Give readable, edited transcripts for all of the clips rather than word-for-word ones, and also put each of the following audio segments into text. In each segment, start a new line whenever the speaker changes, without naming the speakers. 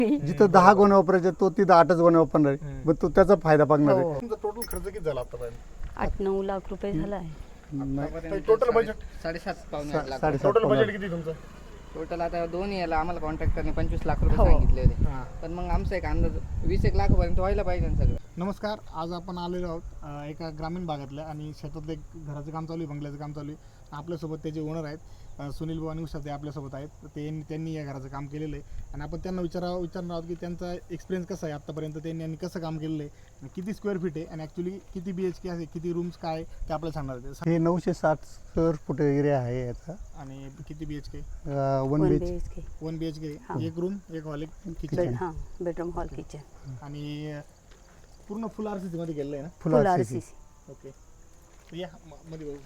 जिथं 10 गोणे वापरायचे तो तिथं 8च गोणे वापरणार आहे. मग तो त्याचा फायदा बघणार आहे.
तुमचा टोटल खर्च किती झाला आतापर्यंत?
8-9 लाख रुपये झाला आहे.
टोटल बजेट
7.5 पावणे 8 लाख.
7.5
टोटल बजेट किती तुमचं?
टोटल आता दोन्ही याला आम्हाला कॉन्ट्रॅक्टरने 25 लाख रुपये
हो.
सांगितले होते. पण मग आमचा एक अंदाज 20 लाखापर्यंत व्हायला पाहिजे ना सगळं.
नमस्कार, आज आपण आलेलो आहोत एका ग्रामीण भागातल्या आणि शेतातलं एक घराचं काम चालू आहे, बंगल्याचं काम चालू आहे. आपल्यासोबत त्याचे ओनर आहेत सुनील भाऊ आणि उषा, ते आपल्यासोबत आहेत. त्यांनी या घराचं काम केलेलं आहे आणि आपण त्यांना विचारणार आहोत की त्यांचा एक्सपिरियन्स कसा आहे आत्तापर्यंत, त्यांनी आणि कसं काम केलेलं आहे, किती स्क्वेअर फीट आहे आणि ॲक्च्युली किती BHK आहे, किती रूम्स काय ते आपल्याला सांगणार आहेत.
हे 960 स्क्वेअर फूट एरिया आहे याचा.
आणि किती BHK?
1 BHK.
1 BHK, एक रूम, एक हॉल, एक किचन
बेडरूम, हॉल, किचन
आणि पूर्ण फुल RCC मध्ये गेलेलं आहे ना?
फुल
RCC.
ओके, या मध्ये बघू.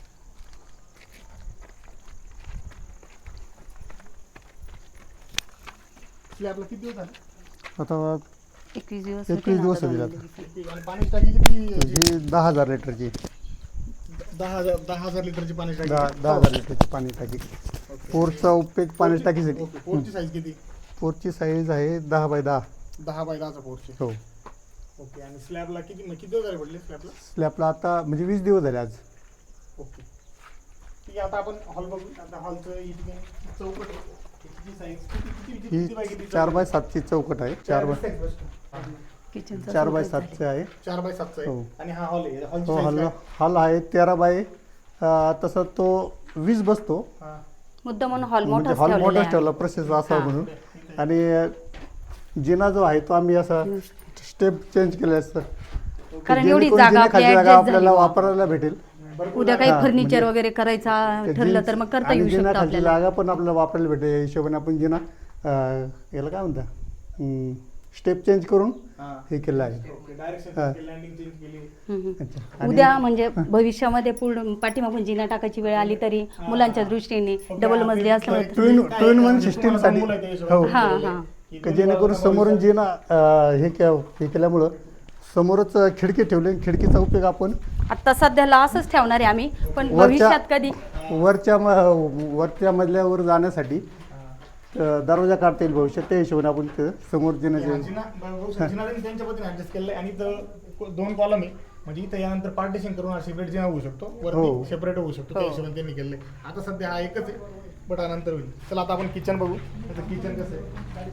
स्लॅबला किती दिवस झाले?
आता
21 दिवस
21 दिवस
होते ना
दिले
आता
आता.
आणि पाण्याची टाकी किती?
ही 10,000 लिटरची
10,000 लिटरची पाण्याची टाकी.
10,000 लिटरची पाणी टाकी. पोरचा उपयोग पाणी टाकीसाठी.
ओके, पोरची साईज किती?
पोरची साईज आहे 10 बाय 10.
10 बाय 10चा पोरची.
हो.
ओके, आणि स्लॅबला किती दिवस झाले पडले स्लॅबला?
स्लॅबला आता म्हणजे 20 दिवस झाले आज.
ओके, ठीक आहे. आता आपण हॉल बघू. आता हॉलचं इथे चौकट आहे. किती साईज?
ही
किती बाय किती?
4 बाय 7ची चौकट आहे. 4 बाय
किचनचा
4 बाय 7चे आहे.
4 बाय 7चा आहे.
हो.
आणि हा हॉल आहे. हॉलची
हो,
साईज काय?
हॉल आहे 13 बाय तसं तो 20 बसतो.
हा.
मुद्दा म्हणून हॉल
म्हणजे
मोठाच
हॉल
ठेवलेला
मोठाच
आहे.
ठेवला प्रोसेस असा म्हणून. आणि जिना जो आहे तो आम्ही असा स्टेप चेंज केला असतं,
कारण एवढी
जेणेकरून
जागा
जिनेखाली
आपली
जागा
adjust
आपल्याला
झाली.
वापरायला भेटेल.
उद्या काही
हा,
फर्निचर
म्हणजे
वगैरे करायचा ठरलं तर मग करता येऊ शकतं
जिनाखालची
आपल्याला.
जागा पण आपल्याला वापरायला भेटेल या हिशोबाने आपण जिना याला काय म्हणता स्टेप चेंज करून
हा.
हे केलं आहे.
डायरेक्शन
हा.
लँडिंग चेंज केली.
अच्छा. आणि
उद्या म्हणजे भविष्यामध्ये पूर्ण पाठीमागून जिना टाकायची वेळ आली तरी मुलांच्या दृष्टीने डबल मजली असल्यामुळे
ट्विन वन सिस्टीम साठी हो,
हा हा
जेणेकरून समोरून जिना हे केल्यामुळं समोरच खिडकी ठेवली. खिडकीचा उपयोग आपण
आता सध्याला असंच ठेवणार आहे आम्ही, पण
वरच्या-
भविष्यात कधी
वरच्या मजल्यावर जाण्यासाठी दरवाजा काढता येईल भविष्यात. त्या हिशोबाने आपण ते समोर जिनाचे
त्यांच्या पद्धतीने ऍडजस्ट केलंय. आणि इथं 2 कॉलम आहे, म्हणजे इथं यानंतर पार्टिशन करून सेपरेट जिना होऊ शकतो,
हो.
वरती सेपरेट होऊ शकतो. त्या हिशोबाने त्यांनी केलंय. आता सध्या हा एकच आहे, बट हा नंतर होईल. चला आता आपण किचन बघू. किचन कसं आहे?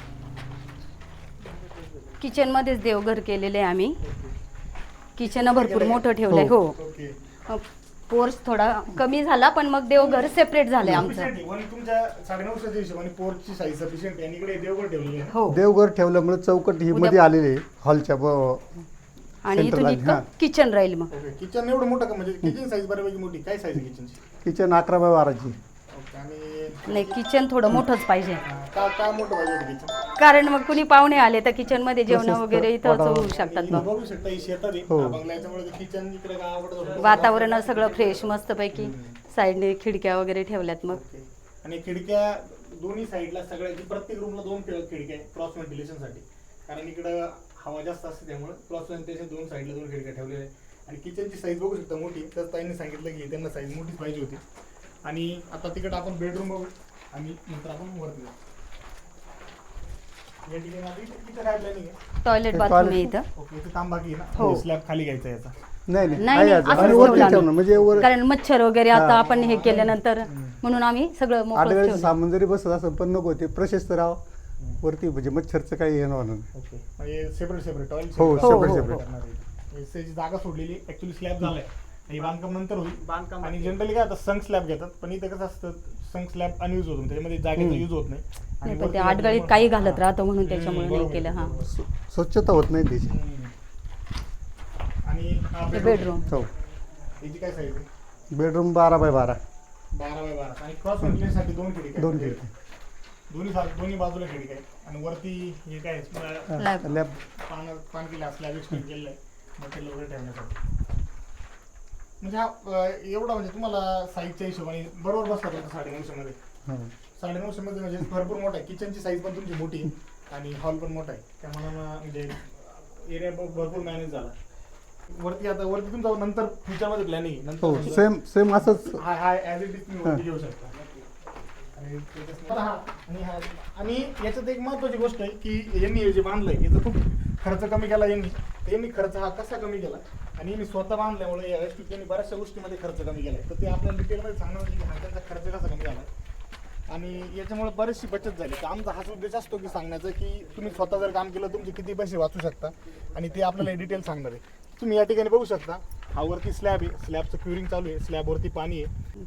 किचन मध्येच देवघर केलेले आहे आम्ही. किचन भरपूर मोठं ठेवलंय. हो,
ओके.
पोर्च थोडा कमी झाला पण मग देवघर सेपरेट झालंय आमचं.
तुमच्या 950च्या हिशोबाने पोर्चची साईज सफिशियंट आहे आणि इकडे देवगड ठेवलेली आहे.
हो,
देवघर ठेवल्यामुळे चौकट ही मध्ये आलेली आहे हॉलच्या
आणि इथून
central
इतकं
हा.
किचन राहील मग.
ओके, किचन एवढं मोठं का? म्हणजे किचन साईज बऱ्यापैकी मोठी. काय साईज आहे किचनची?
Kitchen 11 bye 12ची.
ओके, आणि
नाही, किचन थोडं मोठंच पाहिजे,
का मोठं पाहिजे होतं किचन?
कारण मग कुणी पाहुणे आले तर किचन मध्ये जेवण
तसंच
वगैरे इथं
वातावरण.
होऊ शकतात.
इथं
मग
बघू शकता ही शेतात आहे.
हो.
हा बंगला, याच्यामुळे किचन इकडे गावाकडे
वातावरण सगळं फ्रेश मस्त पैकी. साईडने खिडक्या वगैरे ठेवल्यात मग.
आणि खिडक्या दोन्ही साईडला सगळ्याची प्रत्येक रूमला 2 खिडक्या आहेत क्रॉस व्हेंटिलेशन साठी. कारण इकडं हवा जास्त असते त्यामुळे क्रॉस व्हेंटिलेशन 2 साईडला 2 खिडक्या ठेवलेल्या आहेत. आणि किचनची साईज बघू शकता मोठी. तर ताईंनी सांगितलं की त्यांना साईज मोठीच पाहिजे होती. आणि आता तिकडे आपण बेडरूम बघू आणि नंतर आपण वरती जाऊ. या ठिकाणी आता इथं काय प्लॅनिंग आहे?
टॉयलेट बाथरूम आहे इथं.
ओके, इथं काम बाकी आहे
हो.
ना? स्लॅब खाली घ्यायचा याचा.
नाही
नाही,
आहे
नाही,
अजून.
असंच
आणि वरती
ठेवलं
ठेवणं
आम्ही.
म्हणजे वर
कारण मच्छर वगैरे आता आपण हे केल्यानंतर म्हणून आम्ही सगळं मोकळं
आडव्याचं
ठेवलं.
सामान जरी बसत असं पण नको ते प्रशस्त राहावं वरती, म्हणजे मच्छरचं काही येणार नाही.
ओके, म्हणजे सेपरेट टॉयलेट.
हो,
separate,
separate.
त्याची जागा सोडलेली. ऍक्च्युली स्लॅब झालाय, हे बांधकाम नंतर होईल. बांधकाम आणि जनरली काय आता संक स्लॅब घेतात, पण इथे कसं असतं संक स्लॅब अनयूज होतो, त्याच्यामध्ये जागेचा यूज होत नाही.
नाही, पण
वरती
ते आडगळीत
आपण-
काही घालत राहतो म्हणून
हम्म,
त्याच्यामुळे नाही
बरोबर.
केलं. हा,
स्वच्छता होत नाही त्याची.
आणि हा
बेडरूम.
हो,
याची काय साईज आहे?
Bedroom 12 by 12.
12 बाय 12. आणि क्रॉस व्हेंटिलेशन साठी 2 खिडक्या.
2 खिडकी.
दोन्ही बाजूला खिडक्या आहे. आणि वरती हे काय
लॅब.
लॅब
पानकीला स्लॅब एक्सटेंड केलेलं आहे मटेरियल वगैरे ठेवण्यासाठी. म्हणजे हा एवढा म्हणजे तुम्हाला साईजच्या हिशोबाने बरोबर बसला पाहिजे 950 मध्ये.
हो.
950 मध्ये म्हणजे भरपूर मोठा आहे. किचनची साईज पण तुमची मोठी आहे आणि हॉल पण मोठा आहे, त्यामुळे म्हणजे एरिया भरपूर मॅनेज झाला. वरती तुमचा नंतर फ्युचरमध्ये प्लॅनिंग
हो,
नंतर
सेम असंच.
हा ॲज इट इज तुम्ही वरती घेऊ शकता. आणि याच्यात एक महत्वाची गोष्ट आहे की यांनी हे जे बांधलंय याचा खूप खर्च कमी केला यांनी खर्च हा कसा कमी केला आणि यांनी स्वतः बांधल्यामुळे या गोष्टी त्यांनी बऱ्याचशा गोष्टीमध्ये खर्च कमी केलाय तर ते आपल्याला डिटेलमध्ये सांगणार की हा त्यांचा खर्च कसा कमी झाला आणि याच्यामुळे बरीचशी बचत झाली तर आमचा हाच उद्देश असतो की सांगण्याचा की तुम्ही स्वतः जर काम केलं तुमचे किती पैसे वाचू शकता आणि ते आपल्याला डिटेल सांगणार आहे तुम्ही या ठिकाणी बघू शकता हा वरती स्लॅब आहे स्लॅबचं क्युरिंग चालू आहे स्लॅबवरती पाणी आहे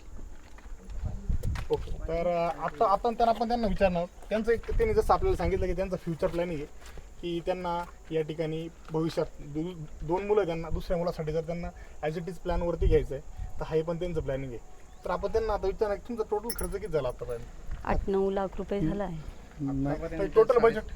ओके तर आता आपण त्यांना विचारणार त्यांचं एक त्यांनी जसं आपल्याला सांगितलं की त्यांचं फ्युचर प्लॅनिंग आहे की त्यांना या ठिकाणी भविष्यात दोन मुलं त्यांना दुसऱ्या मुलासाठी जर त्यांना ॲज इट इज प्लॅनवरती घ्यायचं आहे तर हे पण त्यांचं प्लॅनिंग आहे तर आपण त्यांना आता विचारणार तुमचा टोटल खर्च किती झाला आतापर्यंत
8-9 लाख रुपये झाला आहे
total budget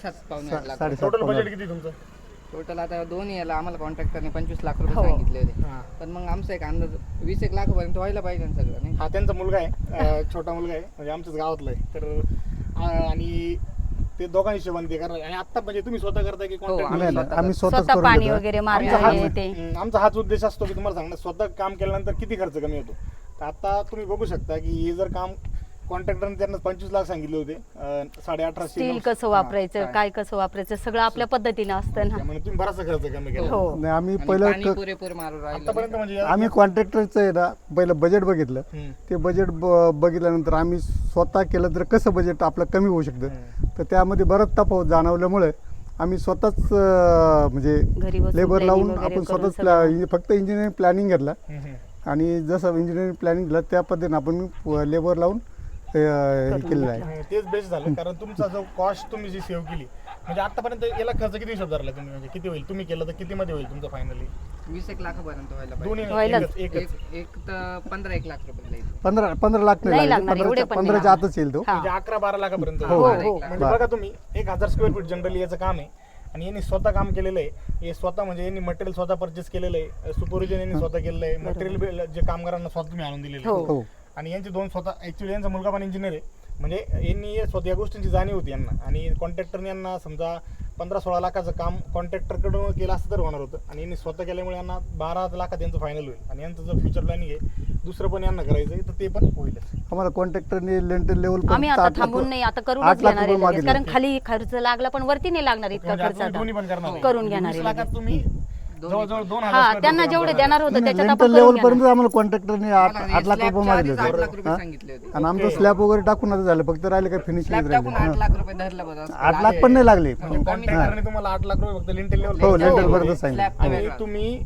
7.5 lakh
total budget किती तुमचं
टोटल आता दोन्ही याला आम्हाला कॉन्ट्रॅक्टरने 25 लाख रुपये
हो.
सांगितले होते
हां
पण मग आमचा एक अंदाज 20 लाखापर्यंत व्हायला पाहिजे ना सगळं नाही
हा त्यांचा मुलगा आहे छोटा मुलगा आहे म्हणजे आमच्याच गावातला आहे तर आणि ते दोघांनी हिशोबाने ते करणार आणि आता म्हणजे तुम्ही स्वतः करताय की
हो,
नाही नाही आम्ही स्वतःच
स्वतः
करून
पाणी
घेतो.
वगैरे
आमचा
मारणार
हाच
ते
आमचा हाच उद्देश असतो की तुम्हाला सांगणं स्वतः काम केल्यानंतर किती खर्च कमी होतो तर आता तुम्ही बघू शकता की हे जर काम कॉन्ट्रॅक्टरने त्यांना 25 लाख सांगितले होते 1850
स्टील कसं वापरायचं काय कसं वापरायचं सगळं आपल्या पद्धतीनं असतं ना
त्यामुळे तुम्ही बराचसा खर्च कमी केला
हो
नाही आम्ही
आणि
पहिलं
पाणी पुरेपूर मारून राहिलं
आतापर्यंत म्हणजे
आम्ही कॉन्ट्रॅक्टरचं आहे ना पहिलं बजेट बघितलं
हम्म.
ते बजेट बघितल्यानंतर आम्ही स्वतः केलं तर कसं बजेट आपलं कमी होऊ शकतं तर त्यामध्ये बरंच तफावत जाणवल्यामुळे आम्ही स्वतःच म्हणजे
घरी बसून
लेबर
planning
लावून
वगैरे
आपण
करून
स्वतःच फक्त इंजिनिअरिंग प्लॅनिंग घेतला
हम्म.
आणि जसं इंजिनिअरिंग प्लॅनिंग दिलं त्या पद्धतीने आपण लेबर लावून हे केलेलं आहे
हम्म, तेच बेस्ट झालं कारण तुमचा जो कॉस्ट तुम्ही जी सेव्ह केली म्हणजे आतापर्यंत याला खर्च किती हिशोब धरला तुम्ही म्हणजे किती होईल तुम्ही केलं तर किती मध्ये होईल तुमचं फायनली
20 लाखापर्यंत व्हायला पाहिजे
दोन्ही
व्हायलाच.
एकच
एक तर 15 लाख रुपये जाईल
15 लाख
नाही
नाही
लागणार,
लागले
एवढे पण नाही
15च्या आतच येईल तो
हा.
म्हणजे 11-12 लाखापर्यंत
हो,
होईल.
हो.
म्हणजे बघा तुम्ही 1000 स्क्वेअर फीट जनरली याचं काम आहे आणि यांनी स्वतः काम केलेलं आहे हे स्वतः म्हणजे यांनी मटेरियल स्वतः परचेस केलेलं आहे सुपरविजन यांनी स्वतः केलेलं आहे मटेरियल जे कामगारांना स्वतः तुम्ही आणून दिलेलं आहे
हो.
हो
आणि यांचे दोन स्वतः ऍक्च्युली यांचा मुलगा पण इंजिनियर आहे म्हणजे यांनी स्वतः या गोष्टींची जाणीव होती यांना आणि कॉन्ट्रॅक्टरने यांना समजा 15-16 लाखाचं काम कॉन्ट्रॅक्टरकडून केलं असतं तर होणार होतं आणि यांनी स्वतः केल्यामुळे यांना 12 लाखात यांचं फायनल होईल आणि यांचं जर फ्युचर प्लॅनिंग आहे दुसरं पण यांना करायचं आहे तर ते पण होईलच
आम्हाला कॉन्ट्रॅक्टरने लेंटर लेवल
आम्ही आता थांबून नाही आता
8
करूनच
लाख
घेणार
रुपये
आहे लगेच.
मागितले.
कारण खाली खर्च लागला पण वरती नाही लागणार इतका
म्हणजे आता
खर्च
तुम्ही
आता
दोन्ही पण करणार आहे.
करून घेणार
20
आहे
लाखात
लगेच.
तुम्ही जवळजवळ 2000
हा
स्क्वेअर
त्यांना
फीट
जेवढे
काम
देणार होतं त्याच्यात
लेंटर
आपण करून
लेवल
घेणार.
पर्यंत आम्हाला कॉन्ट्रॅक्टरने 8 लाख रुपये मागितले
8
होते
लाख रुपये
हा?
सांगितले होते
आणि आमचं स्लॅब वगैरे टाकून आता झालं फक्त राहिले काय
स्लॅब
फिनिशिंग
टाकून 8
राहिले
लाख रुपये धरलं बघा
8 लाख पण नाही लागले
म्हणजे कॉन्ट्रॅक्टरने तुम्हाला 8 लाख रुपये फक्त लिंटेल लेवल
हो लेंटर पर्यंत सांगितलं
स्लॅब
आणि तुम्ही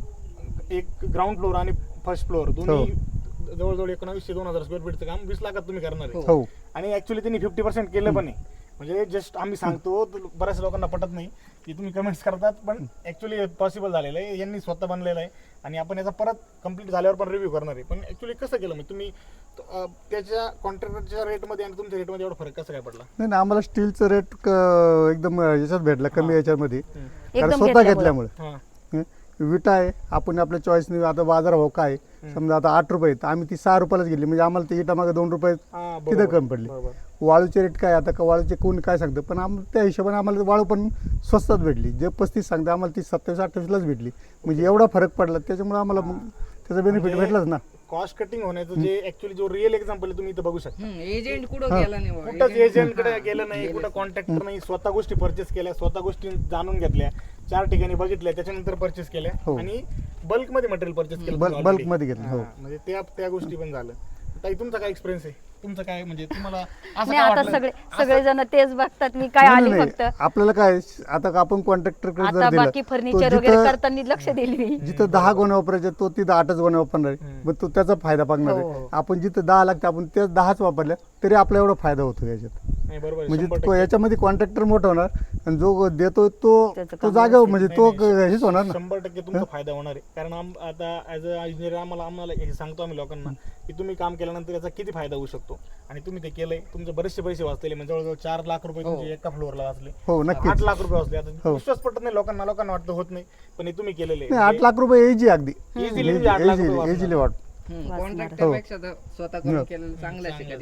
एक ग्राउंड फ्लोअर आणि फर्स्ट फ्लोअर दोन्ही जवळजवळ 1900-2000 स्क्वेअर फीटचं काम 20 लाखात तुम्ही करणार आहे
हो
आणि ऍक्च्युली त्यांनी 50% केलं पण आहे म्हणजे जस्ट आम्ही सांगतो तर बऱ्याच लोकांना पटत नाही की तुम्ही कमेंट्स करतात पण ऍक्च्युली पॉसिबल झालेलं आहे यांनी स्वतः बनलेलं आहे आणि आपण याचा परत कंप्लीट झाल्यावर पण रिव्ह्यू करणार आहे पण ऍक्च्युली कसं केलं म्हणजे तुम्ही त्याच्या कॉन्ट्रॅक्टरच्या रेटमध्ये आणि तुमच्या रेटमध्ये एवढा फरक कसा काय पडला
नाही नाही आम्हाला स्टीलचं रेट एकदम याच्यात भेटला कमी याच्यामध्ये कारण
एकदम
स्वतः
घेतल्यामुळे.
घेतल्यामुळे
हां
विटा आहे आपण आपल्या चॉईसने आता बाजार भाव काय आहे? समजा आता 8 रुपये तर आम्ही ती 6 रुपयालाच घेतली म्हणजे आम्हाला ती इटा मागे 2 रुपये
हां
तिथं कमी पडली
बरोबर
वाळूचे रेट काय आता का वाळूचे कोण काय सांगतं पण त्या हिशोबाने आम्हाला वाळू पण स्वस्तात भेटली जे 35 सांगतं आम्हाला ती 27-28लाच भेटली म्हणजे एवढा फरक पडला त्याच्यामुळे आम्हाला मग त्याचा बेनिफिट भेटलाच ना
कॉस्ट कटिंग होण्याचं जे ऍक्च्युली जो रिअल एक्झाम्पल तुम्ही इथं बघू शकता
एजंट कुठं गेला नाही बुवा.
कुठंच एजंटकडे गेलं नाही कुठं कॉन्ट्रॅक्टर नाही स्वतः गोष्टी परचेस केल्या स्वतः गोष्टी जाणून घेतल्या 4 ठिकाणी बघितल्या त्याच्यानंतर परचेस केल्या
हो.
आणि बल्क मध्ये मटेरियल परचेस केलं
Bulk-
तुम्ही already.
bulk मध्ये घेतलं, हो.
हां, म्हणजे त्या गोष्टी पण झालं ताई तुमचा काय एक्सपिरियन्स आहे तुमचं काय म्हणजे तुम्हाला असं
नाही
काय
आता
वाटलं?
सगळे जण तेच बघतात मी काय
नाही,
आली
नाही,
फक्त
आपल्याला काय आता का आपण कॉन्ट्रॅक्टरकडे
आता
जर
बाकी
दिलं
फर्निचर
तो
वगैरे
जिथं
करताना लक्ष दिली मी
जिथं 10 गोणे वापरायचे तो तिथं 8च गोणे वापरणार आहे मग तो त्याचा फायदा बघणार
हो.
आहे आपण जिथं 10 लागतं आपण त्या 10च वापरल्या तरी आपला एवढा फायदा होतो याच्यात
नाही बरोबर आहे,
म्हणजे
100%
तो याच्यामध्ये कॉन्ट्रॅक्टर मोठा होणार आणि जो देतो तो
त्याचं
तो
काम
जागेवर म्हणजे तो हेच होणार ना
100% तुमचा फायदा होणार आहे कारण आता ऍज अ इंजिनियर आम्हाला हे सांगतो आम्ही लोकांना की तुम्ही काम केल्यानंतर याचा किती फायदा होऊ शकतो आणि तुम्ही ते केलंय तुमचे बरेचसे पैसे वाचले म्हणजे जवळजवळ 4 लाख रुपये तुमचे एका फ्लोअरला वाचले
हो नक्कीच
8 लाख रुपये वाचले आता
हो.
विश्वास पटत नाही लोकांना वाटतं होत नाही पण हे तुम्ही केलेले
नाही 8 लाख रुपये इजी अगदी
Easily म्हणजे 8 लाख रुपये वाचणार.
इझिली वाट
कॉन्ट्रॅक्टर पेक्षा तर स्वतः करून केलेलं चांगलं आहे कधी पण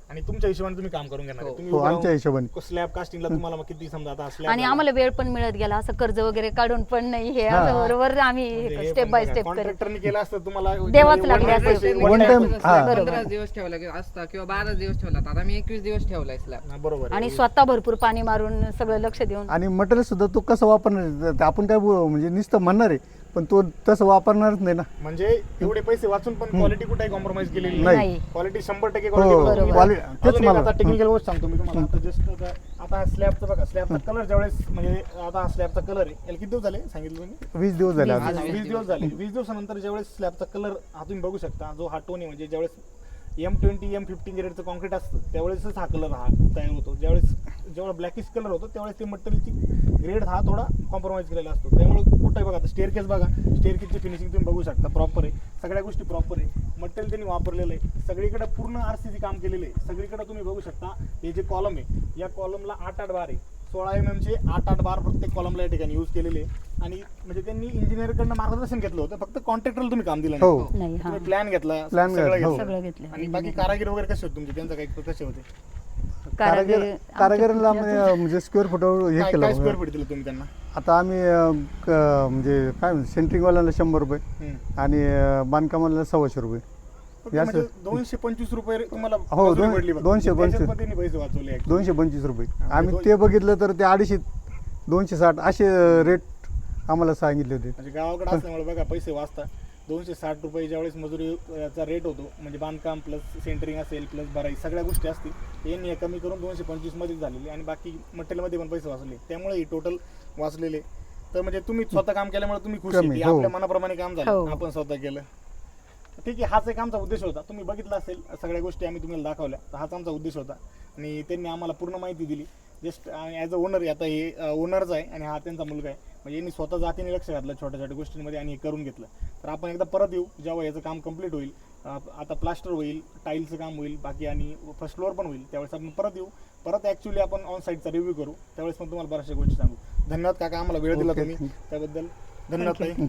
आणि तुमच्या हिशोबाने तुम्ही काम करून घेणार आहे. तुम्ही
हो
उभं
आमच्या हिशोबाने
राहून स्लॅब कास्टिंगला तुम्हाला मग किती समजा आता स्लॅब
आणि आम्हाला वेळ पण मिळत गेला, असं कर्ज वगैरे काढून पण नाही, हे असं बरोबर आम्ही स्टेप बाय स्टेप करत.
कॉन्ट्रॅक्टरने केलं असतं तुम्हाला
द्यावाच लागले
one time
असते.
पैसे,
One
one
time,
time.
हा.
15 दिवस ठेवला असता किंवा 12 दिवस ठेवला, आता मी 21 दिवस ठेवलाय स्लॅब.
हा, बरोबर आहे.
आणि स्वतः भरपूर पाणी मारून सगळं लक्ष देऊन
आणि मटेरियल सुद्धा तो कसं वापरणार ते आपण काय म्हणजे नुसतं म्हणणार आहे पण तो तसं वापरणारच नाही ना.
म्हणजे एवढे पैसे वाचून पण क्वालिटी कुठेही कॉम्प्रोमाइज केलेली
नाही.
नाही.
क्वालिटी 100%
हो,
क्वालिटी
quality- तेच मला-
टेक्निकल गोष्ट सांगतो मी तुम्हाला. आता जस्ट आता स्लॅबचा बघा, स्लॅबचा कलर ज्यावेळेस म्हणजे आता स्लॅबचा कलर आहे, याला किती दिवस झाले सांगितलं तुम्ही?
20 दिवस झाले
आज
आता.
20 दिवस झाले. 20 दिवसानंतर ज्यावेळेस स्लॅबचा कलर हा तुम्ही बघू शकता, जो हा टोन आहे म्हणजे ज्यावेळेस M20 M15 ग्रेडचं कॉन्क्रीट असतं त्यावेळेसच हा कलर हा तयार होतो. जेव्हा ब्लॅकिश कलर होतो त्यावेळेस ते मटेरियलची ग्रेड हा थोडा कॉम्प्रोमाइज केलेला असतो. त्यामुळे कुठे बघा, स्टेअरकेस बघा, स्टेअरकेसची फिनिशिंग तुम्ही बघू शकता, प्रॉपर आहे, सगळ्या गोष्टी प्रॉपर आहे, मटेरियल त्यांनी वापरलेलं आहे, सगळीकडे पूर्ण RCC काम केलेलं आहे. सगळीकडे तुम्ही बघू शकता हे जे कॉलम आहे, या कॉलमला 8-8 बार आहे, 16 mm चे 8-8 बार प्रत्येक कॉलमला या ठिकाणी यूज केलेले आहे. आणि म्हणजे त्यांनी इंजिनियरकडनं मार्गदर्शन घेतलं होतं, फक्त कॉन्ट्रॅक्टरला तुम्ही काम दिलं
हो.
नाही. हा.
तुम्ही प्लॅन घेतला,
Plan
सगळं
घेतला, हो.
घेतलं.
सगळं घेतलं.
आणि बाकी कारागीर वगैरे कसे होते तुमचे, त्यांचं काही कसे होते?
कारागिरांना म्हणजे स्क्वेअर फुटावर हे
काय
केलं
स्क्वेअर फीट दिलं तुम्ही त्यांना?
आता आम्ही म्हणजे काय म्हणतो सेंट्रिंगवाल्याला 100 रुपये
हम्म.
आणि बांधकामाला 125 रुपये.
फक्त
या
म्हणजे
सर.
225 रुपये तुम्हाला
हो,
मजुरी पडली फक्त.
225.
त्याच्यात पण त्यांनी पैसे वाचवले actually.
225 रुपये.
हा,
आम्ही
दोन-
ते बघितलं तर ते 250 260 असे रेट आम्हाला सांगितले होते.
म्हणजे गावाकडे असल्यामुळे बघा पैसे वाचतात. 260 रुपये ज्यावेळेस मजुरीचा रेट होतो, म्हणजे बांधकाम प्लस सेंटरिंग असेल प्लस भराई सगळ्या गोष्टी असतील, यांनी हे कमी करून 225 मध्येच झालेली आणि बाकी मटेरियलमध्ये पण पैसे वाचले, त्यामुळे ही टोटल वाचलेले. तर म्हणजे तुम्ही स्वतः काम केल्यामुळे तुम्ही खुश आहे
कमी,
की
हो.
आपल्या मनाप्रमाणे काम
हो.
झालं, आपण स्वतः केलं. ठीक आहे, हाच एक आमचा उद्देश होता. तुम्ही बघितलं असेल सगळ्या गोष्टी आम्ही तुम्हाला दाखवल्या, तर हाच आमचा उद्देश होता आणि त्यांनी आम्हाला पूर्ण माहिती दिली. जस्ट ॲज अ ओनर, आता हे ओनरच आहे आणि हा त्यांचा मुलगा आहे, म्हणजे यांनी स्वतः जातीने लक्ष घातलं छोट्या छोट्या गोष्टींमध्ये आणि हे करून घेतलं. तर आपण एकदा परत येऊ जेव्हा याचं काम कम्प्लीट होईल, आता प्लास्टर होईल, टाईलचं काम होईल बाकी आणि फर्स्ट फ्लोअर पण होईल, त्यावेळेस आपण परत येऊ. परत ॲक्च्युली आपण ऑन साईटचा रिव्ह्यू करू, त्यावेळेस पण तुम्हाला बऱ्याचशा गोष्टी सांगू. धन्यवाद काका, आम्हाला वेळ दिला
ओके.
तुम्ही त्याबद्दल. धन्यवाद ताई.